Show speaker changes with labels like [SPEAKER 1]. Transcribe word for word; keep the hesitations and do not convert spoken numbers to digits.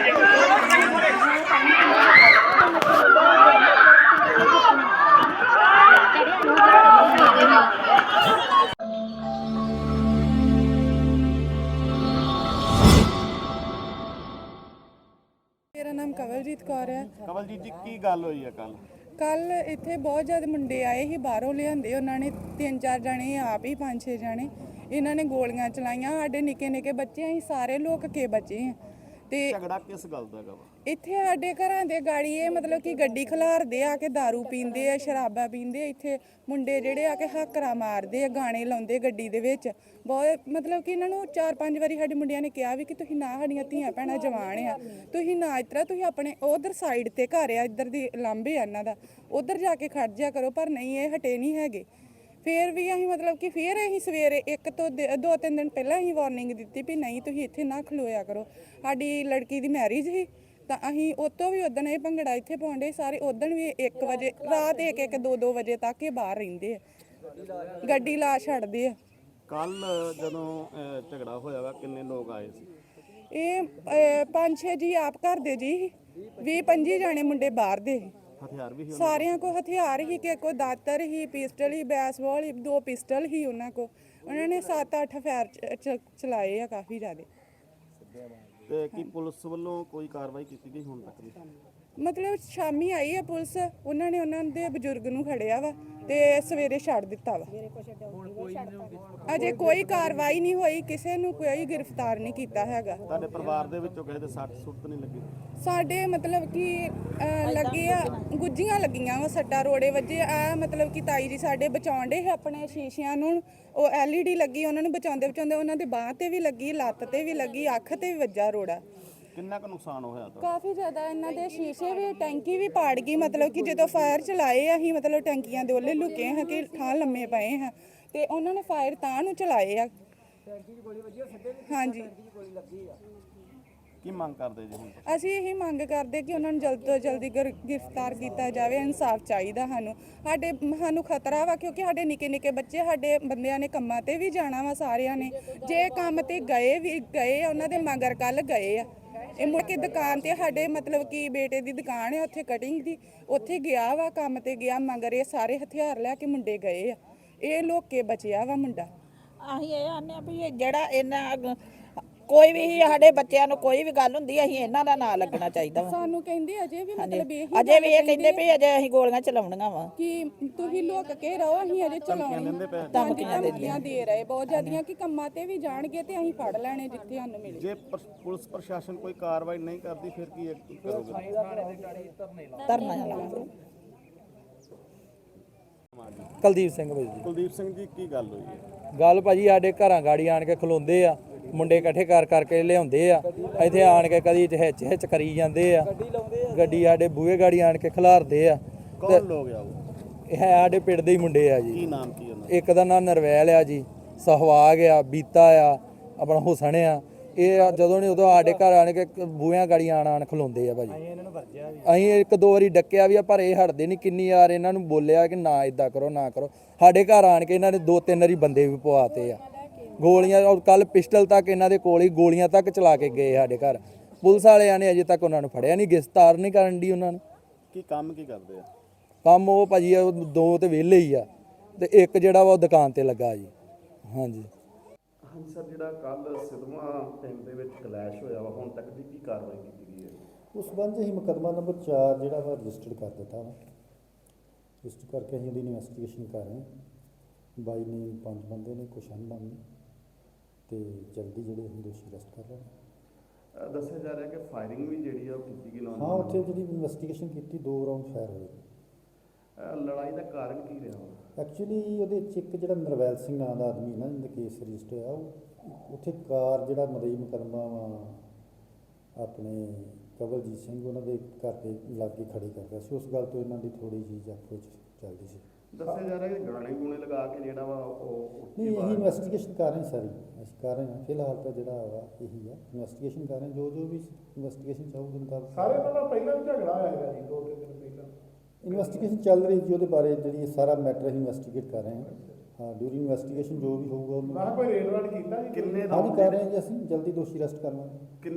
[SPEAKER 1] मेरा नाम कवलजीत कौर है।
[SPEAKER 2] कवलजीत जी की गल हुई है कल?
[SPEAKER 1] कल इत्थे बहुत ज़्यादा मुंडे आए ही बाहरों लिआंदे उन्होंने तीन चार जने आप ही पाँच छे जने इन्होंने गोलियां चलाइयां साडे निक्के निक्के बच्चे असीं सारे लोग के बचे हैं ते
[SPEAKER 2] झगड़ा किस गल दा वा?
[SPEAKER 1] इत्थे साडे घरां दे गाड़ी ये मतलब कि गड्डी खलारदे आके दारू पींदे आ शराबा पींदे इत्थे मुंडे जेहड़े आके हाकरा मारदे गाने लाउंदे गड्डी दे विच बहुत मतलब कि इन्हों चार पांच बारी साडे मुंडियां ने कहा भी कि तुसीं ना साडियां धीआं भैणां जवान आ तुसीं ना इस तरह तुसीं अपने उधर साइड ते घर आ इधर दी लांभे आ इन्हां दा उधर जाके खड़ जा करो पर नहीं ये हटे नहीं हैगे। फिर भी असीं मतलब कि फिर असीं सवेरे एक तो दो तीन दिन पहले असीं वार्निंग दित्ती भी नहीं तुसीं इत्थे ना खलोया करो। साडी लड़की दी मैरिज ही ਤਾਂ ਅਸੀਂ ਉਹ ਤੋਂ ਵੀ ਉਦਣ ਇਹ ਭੰਗੜਾ ਇੱਥੇ ਪਾਉਂਦੇ ਸਾਰੇ ਉਦਣ ਵੀ ਇੱਕ ਵਜੇ ਰਾਤ ਇੱਕ ਇੱਕ ਦੋ ਦੋ ਵਜੇ ਤੱਕ ਇਹ ਬਾਹਰ ਰਹਿੰਦੇ ਆ ਗੱਡੀ ਲਾ ਛੱਡਦੇ ਆ।
[SPEAKER 2] ਕੱਲ ਜਦੋਂ ਝਗੜਾ ਹੋਇਆ ਵਾ ਕਿੰਨੇ ਲੋਕ ਆਏ ਸੀ?
[SPEAKER 1] ਇਹ ਪੰਜ ਛੇ ਜੀ ਆਪ ਘਰ ਦੇ ਜੀ ਵੀਹ ਪੰਜੀ ਜਾਣੇ ਮੁੰਡੇ ਬਾਹਰ ਦੇ
[SPEAKER 2] ਹਥਿਆਰ ਵੀ
[SPEAKER 1] ਸਾਰਿਆਂ ਕੋ ਹਥਿਆਰ ਹੀ ਕਿ ਕੋਈ ਦਾਤਰ ਹੀ ਪਿਸਟਲ ਹੀ ਬੈਸਬਾਲ ਹੀ ਦੋ ਪਿਸਟਲ ਹੀ ਉਹਨਾਂ ਕੋ ਉਹਨਾਂ ਨੇ ਸੱਤ ਅੱਠ ਫਾਇਰ ਚਲਾਏ ਆ ਕਾਫੀ ਜ਼ਿਆਦਾ।
[SPEAKER 2] ਤੇ ਕੀ ਪੁਲਿਸ ਵੱਲੋਂ ਕੋਈ ਕਾਰਵਾਈ ਕੀਤੀ ਗਈ ਹੁਣ ਤੱਕ ਦੀ?
[SPEAKER 1] ਮਤਲਬ ਸ਼ਾਮੀ ਆਈ ਹੈ ਪੁਲਿਸ ਉਹਨਾਂ ਨੇ ਉਹਨਾਂ ਦੇ ਬਜ਼ੁਰਗ ਨੂੰ ਖੜਿਆ ਵਾ ਤੇ ਸਵੇਰੇ ਛੱਡ ਦਿੱਤਾ ਵਾ। ਅਜੇ ਕੋਈ ਕਾਰਵਾਈ ਨਹੀਂ ਹੋਈ ਕਿਸੇ ਨੂੰ ਕੋਈ ਗ੍ਰਿਫਤਾਰ ਨਹੀਂ ਕੀਤਾ ਹੈਗਾ।
[SPEAKER 2] ਤੁਹਾਡੇ ਪਰਿਵਾਰ ਦੇ ਵਿੱਚੋਂ ਕਿਸੇ ਦੇ ਸੱਟ ਸੁੱਟ ਨਹੀਂ ਲੱਗੀ?
[SPEAKER 1] ਸਾਡੇ ਮਤਲਬ ਕਿ ਲੱਗੇ ਆ ਗੁੱਜੀਆਂ ਲੱਗੀਆਂ ਵਾ ਸੱਟਾ ਰੋੜੇ ਵੱਜੇ ਆ ਮਤਲਬ ਕਿ ਤਾਈ ਜੀ ਸਾਡੇ ਬਚਾਉਂਦੇ ਆਪਣੇ ਸ਼ੀਸ਼ਿਆਂ ਨੂੰ ਉਹ ਐਲ ਈ ਡੀ ਲੱਗੀ ਉਹਨਾਂ ਨੂੰ ਬਚਾਉਂਦੇ ਬਚਾਉਂਦੇ ਉਹਨਾਂ ਦੇ ਬਾਂਹ ਤੇ ਵੀ ਲੱਗੀ ਲੱਤ ਤੇ ਵੀ ਲੱਗੀ ਅੱਖ ਤੇ ਵੀ ਵੱਜਾ ਰੋੜਾ।
[SPEAKER 2] ਕਿੰਨਾ ਕੁ ਨੁਕਸਾਨ ਹੋਇਆ ਤਾਂ?
[SPEAKER 1] ਕਾਫੀ ਜ਼ਿਆਦਾ ਇਹਨਾਂ ਦੇ ਸ਼ੀਸ਼ੇ ਵੀ ਟੈਂਕੀ ਵੀ ਪਾੜ ਗਈ ਮਤਲਬ ਕਿ ਜਦੋਂ ਫਾਇਰ ਚਲਾਏ ਅਸੀਂ ਮਤਲਬ ਟੈਂਕੀਆਂ ਦੇ ਉਹਲੇ ਲੁਕੇ ਹਾਂ ਕਿ ਠਾਂ ਲੰਮੇ ਪਏ ਹਾਂ ਤੇ ਉਹਨਾਂ ਨੇ ਫਾਇਰ ਤਾਂ ਨੂੰ ਚਲਾਏ ਆ। ਹਾਂਜੀ
[SPEAKER 2] ਕੀ ਮੰਗ ਕਰਦੇ ਜੀ ਹੁਣ?
[SPEAKER 1] ਅਸੀਂ ਇਹੀ ਮੰਗ ਕਰਦੇ ਕਿ ਉਹਨਾਂ ਨੂੰ ਜਲਦ ਤੋਂ ਜਲਦੀ ਗ੍ਰਿਫਤਾਰ ਕੀਤਾ ਜਾਵੇ। ਇਨਸਾਫ ਚਾਹੀਦਾ ਸਾਨੂੰ ਸਾਡੇ ਸਾਨੂੰ ਖਤਰਾ ਵਾ ਕਿਉਂਕਿ ਸਾਡੇ ਨਿੱਕੇ ਨਿੱਕੇ ਬੱਚੇ ਸਾਡੇ ਬੰਦਿਆਂ ਨੇ ਕੰਮਾਂ ਤੇ ਵੀ ਜਾਣਾ ਵਾ ਸਾਰਿਆਂ ਨੇ ਜੇ ਕੰਮ ਤੇ ਗਏ ਵੀ ਗਏ ਉਹਨਾਂ ਦੇ ਮਗਰ ਕੱਲ ਗਏ ਆ ਇਹ ਮੁੜ ਕੇ ਦੁਕਾਨ ਤੇ ਸਾਡੇ ਮਤਲਬ ਕਿ ਬੇਟੇ ਦੀ ਦੁਕਾਨ ਹੈ ਉੱਥੇ ਕਟਿੰਗ ਦੀ ਉੱਥੇ ਗਿਆ ਵਾ ਕੰਮ ਤੇ ਗਿਆ ਮਗਰ ਇਹ ਸਾਰੇ ਹਥਿਆਰ ਲੈ ਕੇ ਮੁੰਡੇ ਗਏ ਆ ਇਹ ਲੋਕੇ ਬਚਿਆ ਵਾ ਮੁੰਡਾ।
[SPEAKER 3] ਅਸੀਂ ਇਹ ਆਨੇ ਆ ਵੀ ਜਿਹੜਾ ਇਹਨਾਂ ਕੋਈ ਵੀ ਸਾਡੇ ਬੱਚਿਆਂ ਨੂੰ ਕੋਈ ਵੀ ਗੱਲ ਹੁੰਦੀ ਅਸੀਂ ਇਹਨਾਂ ਦਾ ਨਾਂ ਲੱਗਣਾ ਚਾਹੀਦਾ ਵਾ।
[SPEAKER 1] ਸਾਨੂੰ ਕਹਿੰਦੇ ਅਜੇ ਵੀ ਮਤਲਬ ਇਹ
[SPEAKER 3] ਅਜੇ ਵੀ ਇਹ ਕਹਿੰਦੇ ਵੀ ਅਜੇ ਅਸੀਂ ਗੋਲੀਆਂ ਚਲਾਉਣੀਆਂ ਵਾ
[SPEAKER 1] ਕਿ ਤੁਸੀਂ ਲੋਕ ਕੇ ਰਹੋ ਅਸੀਂ ਅਜੇ ਚਲਾਉਣੇ ਧਮਕੀਆਂ ਦੇ ਰਹੇ ਬਹੁਤ ਜ਼ਿਆਦੀਆਂ ਕਿ ਕੰਮਾਂ ਤੇ ਵੀ ਜਾਣਗੇ ਤੇ ਅਸੀਂ ਫੜ ਲੈਣੇ ਜਿੱਥੇ ਸਾਨੂੰ ਮਿਲੇ।
[SPEAKER 2] ਜੇ ਪੁਲਿਸ ਪ੍ਰਸ਼ਾਸਨ ਕੋਈ ਕਾਰਵਾਈ ਨਹੀਂ ਕਰਦੀ ਫਿਰ ਕੀ ਕਰੋਗੇ?
[SPEAKER 3] ਧਰਨਾ ਲਾਵਾਂਗੇ।
[SPEAKER 4] ਕੁਲਦੀਪ ਸਿੰਘ ਭਾਈ ਜੀ।
[SPEAKER 2] ਕੁਲਦੀਪ ਸਿੰਘ ਜੀ ਕੀ ਗੱਲ ਹੋਈ ਹੈ?
[SPEAKER 4] ਗੱਲ ਭਾਜੀ ਸਾਡੇ ਘਰਾਂ ਗਾੜੀ ਆਣ ਕੇ ਖਲੋਂਦੇ ਆ ਮੁੰਡੇ ਇਕੱਠੇ ਕਰ ਕਰਕੇ ਲਿਆਉਂਦੇ ਆ ਇੱਥੇ ਆਣ ਕੇ ਕਦੀ ਹਿੱਚ ਹਿੱਚ ਕਰੀ ਜਾਂਦੇ ਆ ਗੱਡੀ ਸਾਡੇ ਬੂਹੇ ਗਾੜੀ ਆਣ ਕੇ ਖਿਲਾਰਦੇ ਆ।
[SPEAKER 2] ਕੌਣ ਲੋਕ ਆ ਉਹ?
[SPEAKER 4] ਇਹ ਹੈ ਸਾਡੇ ਪਿੰਡ ਦੇ ਹੀ ਮੁੰਡੇ ਆ ਜੀ।
[SPEAKER 2] ਕੀ ਨਾਮ ਕੀ ਉਹਨਾਂ?
[SPEAKER 4] ਇੱਕ ਦਾ ਨਾਮ ਨਰਵੈਲ ਆ ਜੀ ਸਹਵਾਗ ਆ ਬੀਤਾ ਆ ਆਪਣਾ ਹੁਸਨ ਆ ਇਹ ਜਦੋਂ ਨਹੀਂ ਉਦੋਂ ਸਾਡੇ ਘਰ ਆਣ ਕੇ ਬੂਹਿਆਂ ਗਾੜੀ ਆਣ ਆਣ ਖਲੋਂਦੇ ਆ ਭਾਜੀ। ਅਸੀਂ ਇੱਕ ਦੋ ਵਾਰੀ ਡੱਕਿਆ ਵੀ ਆ ਪਰ ਇਹ ਹਟਦੇ ਨਹੀਂ ਕਿੰਨੀ ਵਾਰ ਇਹਨਾਂ ਨੂੰ ਬੋਲਿਆ ਕਿ ਨਾ ਇਦਾਂ ਕਰੋ ਨਾ ਕਰੋ ਸਾਡੇ ਘਰ ਆਣ ਕੇ ਇਹਨਾਂ ਨੇ ਦੋ ਤਿੰਨ ਵਾਰੀ ਬੰਦੇ ਵੀ ਪਵਾਤੇ ਆ ਗੋਲੀਆਂ ਔਰ ਕੱਲ ਪਿਸਟਲ ਤੱਕ ਇਹਨਾਂ ਦੇ ਕੋਲ ਹੀ ਗੋਲੀਆਂ ਤੱਕ ਚਲਾ ਕੇ ਗਏ ਸਾਡੇ ਘਰ। ਪੁਲਿਸ ਵਾਲਿਆਂ ਨੇ ਅਜੇ ਤੱਕ ਉਹਨਾਂ ਨੂੰ ਫੜਿਆ ਨਹੀਂ ਗ੍ਰਿਫਤਾਰ ਨਹੀਂ ਕਰਨ ਦੀ ਉਹਨਾਂ ਨੂੰ।
[SPEAKER 2] ਕੀ ਕੰਮ ਕੀ ਕਰਦੇ ਆ?
[SPEAKER 4] ਕੰਮ ਉਹ ਭਾਜੀ ਦੋ ਤੇ ਵਿਹਲੇ ਹੀ ਆ ਤੇ ਇੱਕ ਜਿਹੜਾ ਵਾ ਉਹ ਦੁਕਾਨ ਤੇ ਲੱਗਾ ਜੀ। ਹਾਂਜੀ
[SPEAKER 2] ਹਾਂਜੀ ਸਰ ਜਿਹੜਾ ਕੱਲ ਸਿਧਵਾਂ ਪਿੰਡ ਦੇ ਵਿੱਚ ਕਲੈਸ਼ ਹੋਇਆ ਵਾ ਹੁਣ ਤੱਕ ਦੀ ਕੀ ਕਾਰਵਾਈ ਕੀਤੀ ਗਈ ਹੈ?
[SPEAKER 5] ਉਸ ਸੰਬੰਧ ਅਸੀਂ ਮੁਕੱਦਮਾ ਨੰਬਰ ਚਾਰ ਜਿਹੜਾ ਵਾ ਰਜਿਸਟਰਡ ਕਰ ਦਿੱਤਾ ਵਾ ਰਜਿਸਟਰ ਕਰਕੇ ਅਸੀਂ ਉਹਦੀ ਇਨਵੈਸਟੀਗੇਸ਼ਨ ਕਰ ਰਹੇ ਹਾਂ। ਬਾਈ ਨੇ ਪੰਜ ਬੰਦੇ ਨੇ ਕੁਛ ਅਨਬਨ ਨੇ ਤੇ ਜਲਦੀ ਜਿਹੜੇ ਅਸੀਂ ਦੋਸ਼ੀ ਅਰੈਸਟ ਕਰ ਰਹੇ।
[SPEAKER 2] ਦੱਸਿਆ ਜਾ ਰਿਹਾ ਕਿ ਫਾਇਰਿੰਗ ਵੀ ਜਿਹੜੀ ਆ ਉਹ ਕੀਤੀ ਗਈ।
[SPEAKER 5] ਹਾਂ ਉੱਥੇ ਜਿਹੜੀ ਇਨਵੈਸਟੀਗੇਸ਼ਨ ਕੀਤੀ ਦੋ ਰਾਊਂਡ ਫਾਇਰ ਹੋਏ।
[SPEAKER 2] ਲੜਾਈ ਦਾ ਕਾਰਨ ਕੀ ਰਿਹਾ?
[SPEAKER 5] ਐਕਚੁਅਲੀ ਉਹਦੇ 'ਚ ਇੱਕ ਜਿਹੜਾ ਨਰਵੈਲ ਸਿੰਘ ਨਾਂ ਦਾ ਆਦਮੀ ਨਾ ਜਿਹਦਾ ਕੇਸ ਰਜਿਸਟਰ ਹੋਇਆ ਉਹ ਉੱਥੇ ਕਾਰ ਜਿਹੜਾ ਮਦਈ ਮੁਕੱਦਮਾ ਵਾ ਆਪਣੇ ਕਵਲਜੀਤ ਸਿੰਘ ਉਹਨਾਂ ਦੇ ਘਰ ਦੇ ਲਾਗੇ ਖੜੀ ਕਰ ਰਿਹਾ ਸੀ ਉਸ ਗੱਲ ਤੋਂ ਇਹਨਾਂ ਦੀ ਥੋੜ੍ਹੀ ਜਿਹੀ ਆਪੋ 'ਚ ਚੱਲਦੀ ਸੀ।
[SPEAKER 2] ਦੱਸਿਆ ਜਾ ਰਿਹਾ ਕਿ ਗਾਣੇ ਗੂਣੇ ਲਗਾ ਕੇ ਜਿਹੜਾ ਵਾ ਉਹ
[SPEAKER 5] ਨਹੀਂ ਅਸੀਂ ਇਨਵੈਸਟੀਗੇਸ਼ਨ ਕਰ ਰਹੇ ਸਾਰੀ ਅਸੀਂ ਕਰ ਰਹੇ ਹਾਂ ਫਿਲਹਾਲ ਤਾਂ ਜਿਹੜਾ ਵਾ ਇਹੀ ਆ ਇਨਵੈਸਟੀਗੇਸ਼ਨ ਕਰ ਰਹੇ ਜੋ ਜੋ ਵੀ ਇਨਵੈਸਟੀਗੇਸ਼ਨ ਚਾਹੂਗੇ ਮੁਤਾਬਕ
[SPEAKER 6] ਸਾਰੇ ਨਾਲ ਪਹਿਲਾਂ ਵੀ ਝਗੜਾ ਹੋਇਆ ਹੈਗਾ ਜੀ ਦੋ ਤਿੰਨ ਦਿਨ ਪਹਿਲਾਂ
[SPEAKER 5] ਇਨਵੈਸਟੀਗੇਸ਼ਨ ਚੱਲ ਰਹੀ ਜੀ ਉਹਦੇ ਬਾਰੇ ਜਿਹੜੀ ਸਾਰਾ ਮੈਟਰ ਅਸੀਂ ਇਨਵੈਸਟੀਗੇਟ ਕਰ ਰਹੇ ਹਾਂ। ਹਾਂ ਡਿਊਰਿੰਗ ਇਨਵੈਸਟੀਗੇਸ਼ਨ ਜੋ ਵੀ ਹੋਊਗਾ
[SPEAKER 6] ਮੈਂ ਕੋਈ ਰੇਡ ਰਾਡ ਕੀਤਾ ਜੀ
[SPEAKER 2] ਕਿੰਨੇ
[SPEAKER 5] ਹਾਂ ਜੀ ਕਰ ਰਹੇ ਹਾਂ ਜੀ ਅਸੀਂ ਜਲਦੀ ਦੋਸ਼ੀ ਅਰੈਸਟ ਕਰ ਲਾਂਗੇ।